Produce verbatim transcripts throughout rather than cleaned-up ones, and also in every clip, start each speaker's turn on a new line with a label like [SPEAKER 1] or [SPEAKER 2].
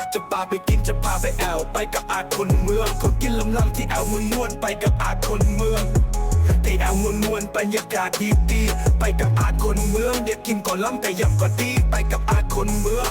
[SPEAKER 1] จะพาไปกินจะพาไปแอวไปกับอาคนเมืองคนกินลำลำที่แอวเมืองนวลไปกับอาคนเมืองที่แอวเมืองนวลบรรยากาศดีดีไปกับอาคนเมืองเด็กกินก่อนล้ำแต่ยำก็ดีไปกับอาคนเมือง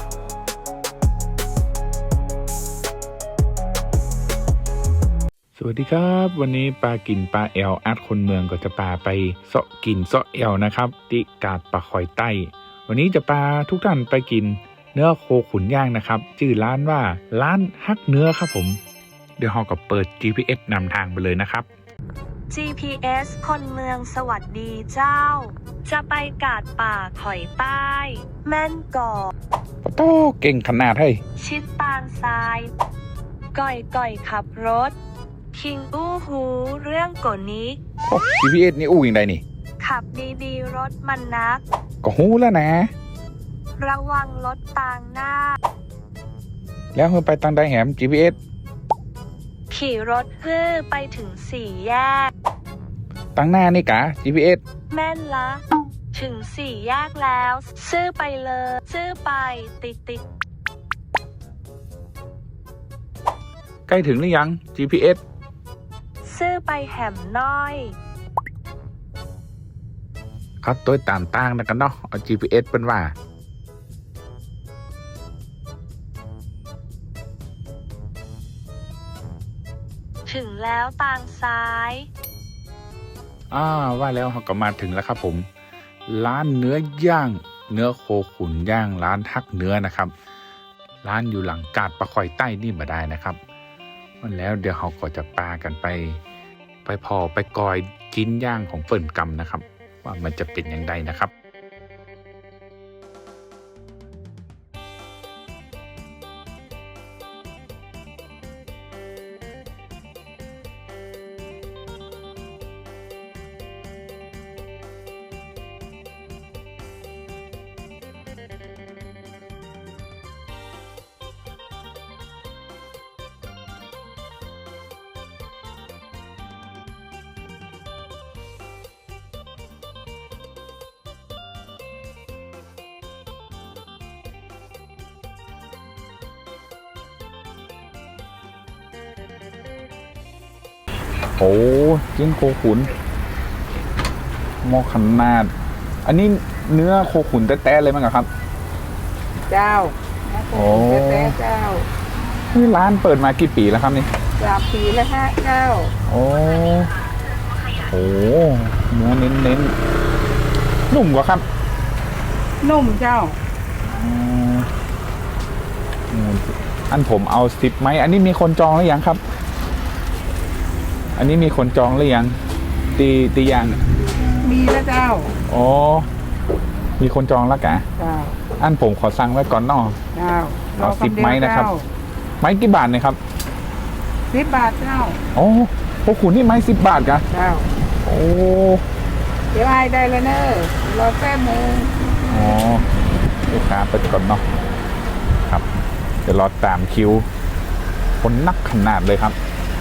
[SPEAKER 2] สวัสดีครับวันนี้ปลากินปลาแอลอาร์ตคนเมืองก็จะปลาไปเสาะกินเสาะแอลนะครับที่กาดปลาคอยใต้วันนี้จะปลาทุกท่านไปกินเนื้อโคขุนย่างนะครับชื่อร้านว่าร้านฮักเนื้อครับผมเดี๋ยวเราก็เปิด จี พี เอส นำทางไปเลยนะครับ
[SPEAKER 3] จี พี เอส คนเมืองสวัสดีเจ้าจะไปกาดป่าคอยใต้แม่นกอก
[SPEAKER 2] ปะโต้เก่งขนาดเฮ้ย
[SPEAKER 3] ชิดตางทรายก่อยก่อยขับรถคิงอู้หูเรื่องกว่านี้
[SPEAKER 2] โอ้ จี พี เอส นี่อู้ยังไงนี่
[SPEAKER 3] ขับดีๆรถมันนัก
[SPEAKER 2] ก็หูแล้วนะ
[SPEAKER 3] ระวังรถตางหน้า
[SPEAKER 2] แล้วเฮ้ยไปตังใดแหม จี พี เอส
[SPEAKER 3] ขี่รถเพื่อไปถึงสี่แยก
[SPEAKER 2] ตังหน้านี่กะ จี พี เอส
[SPEAKER 3] แม่นละ ถึงสี่แยกแล้ว ซื้อไปเลยซื้อไปติดติด
[SPEAKER 2] ใกล้ถึงหรือยัง จี พี เอส
[SPEAKER 3] ซื้อไปแหมน้อย
[SPEAKER 2] เขาตัวตามตั้งนะกันเนาะเอา จี พี เอส เป็นว่า
[SPEAKER 3] ถึงแล้วตางซ้าย
[SPEAKER 2] อ่าว่าแล้วเราก็มาถึงแล้วครับผมร้านเนื้อย่าง เนื้อโคขุนย่างร้านทักเนื้อนะครับร้านอยู่หลังกาดปลาคอยใต้นี่มาได้นะครับวันแล้วเดี๋ยวเราก็จะปากันไป ไปพอไปกอยจิ้นย่างของเฟิ่นกำนะครับว่ามันจะเป็นอย่างไรนะครับโอ้จิ้นโคขุนหม้อขนาดอันนี้เนื้อโคขุนแต้ๆเลยมั้งครับ
[SPEAKER 4] เจ้าโอ้แต้เจ้า
[SPEAKER 2] นี่ร้านเปิดมากี่ปีแล้วครับนี่
[SPEAKER 4] สามปีแล้วฮะเจ้า
[SPEAKER 2] โอ้โหเนื้อเน้นๆนุ่มกว่าครับ
[SPEAKER 4] นุ่มเจ้า
[SPEAKER 2] อันผมเอาสิบไหมอันนี้มีคนจองหรือยังครับอันนี้มีคนจองหรือยังตีตียัง
[SPEAKER 4] มีแล้วเจ้า
[SPEAKER 2] อ๋อมีคนจองแล้วกะ
[SPEAKER 4] เจ้า
[SPEAKER 2] อันผมขอสั่งไว้ก่อนนอ
[SPEAKER 4] เจ้า
[SPEAKER 2] เอาสิบไม้นะครับไม้กี่บาทเนี่ยครับ
[SPEAKER 4] สิบบาทเจ้า
[SPEAKER 2] โอ้พวกคุณนี่ไม้สิบบาทกะ
[SPEAKER 4] เจ้า
[SPEAKER 2] โอ้
[SPEAKER 4] เดี๋ยวไอ้ได้แล้วเนอะรอแป๊บนึง
[SPEAKER 2] อ๋อลูกค้าไปก่อนเนาะครับเดี๋ยวรอตามคิวคนนักขนาดเลยครับ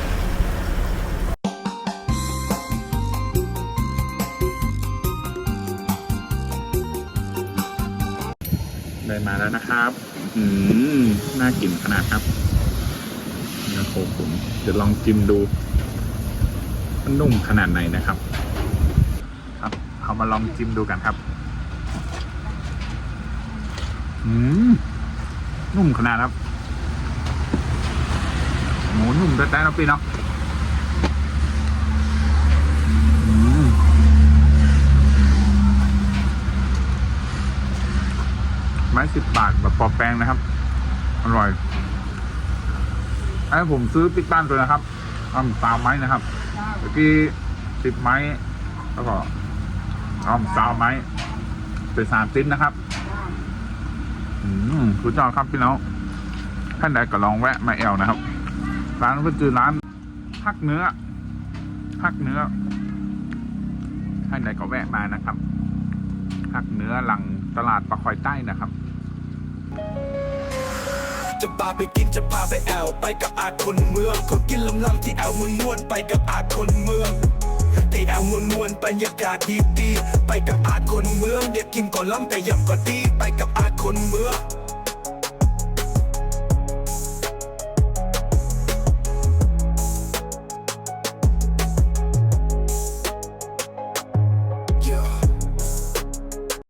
[SPEAKER 2] ได้มาแล้วนะครับอืมน่ากินขนาดครับเนื้อโคขุนเดี๋ยวลองจิ้มดูมันนุ่มขนาดไหนนะครับครับเอามาลองจิ้มดูกันครับอืมนุ่มขนาดครับหมูนุ่มแต่แต่เราปีเนาะไม้สิบบาทแบบปอแป้งนะครับอร่อยไอ้ผมซื้อปิดบ้านตัวนะครับอ้อมสามไม้นะครับเมื่อกี้สิบไม้แล้วก็อ้อมสามไม้เป็นสามชิ้นนะครับอืมคุณเจ้าครับพี่น้องท่านใดก็ลองแวะมาแอลนะครับร้านก็คือร้านฮักเนื้อฮักเนื้อท่านใดก็แวะมานะครับฮักเนื้อหลังตลาดปลาคอยใต้นะครับ
[SPEAKER 1] จะพาไปกินจะพาไปแอวไปกับอาคนเมืองคนกินลำลำที่แอวเมืองนวลไปกับอาคนเมืองที่แอวเมืองนวลบรรยากาศดีดีไปกับอาคนเมืองเด็กกินก่อนล้ำแต่ยำก็ดีไปกับอาคนเมือง